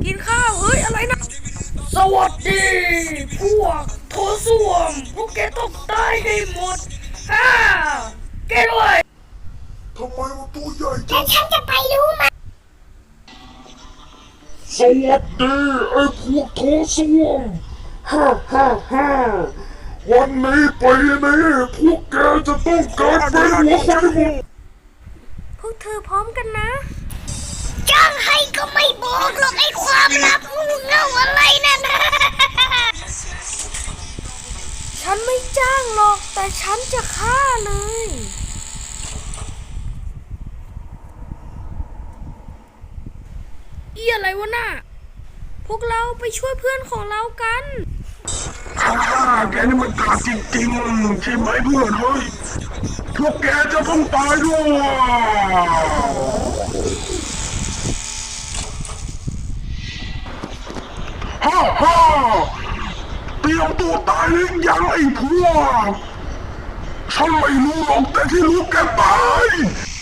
กินข้าวเฮ้ยอะไรนะสวัสดีพวกโถส้วมพวกแกต้องตายให้หมดแกด้วยทำไมมันตัวใหญ่จัแล้งวฉันจะไปรู้ไหมสวัสดีไอ้พวกโถส้วมวันนี้ปีนี้พวกแกจะต้องการเป็นหัวคนหมดพวกเธอพร้อมกันนะจ้างให้ก็ไม่บอกหรอกไอ้ความลับงูเง่าอะไรนั่นนะฉันไม่จ้างหรอกแต่ฉันจะฆ่าเลยอะไรวะน่ะพวกเราไปช่วยเพื่อนของเรากันแกนี่มันกาจริงๆใช่ไหมเพื่อนเฮ้ยพวกแกจะต้องตายด้วยเตรียมตัวตายหรือยังไอ้พวกฉันไม่รู้หรอกแต่ที่รู้แกตาย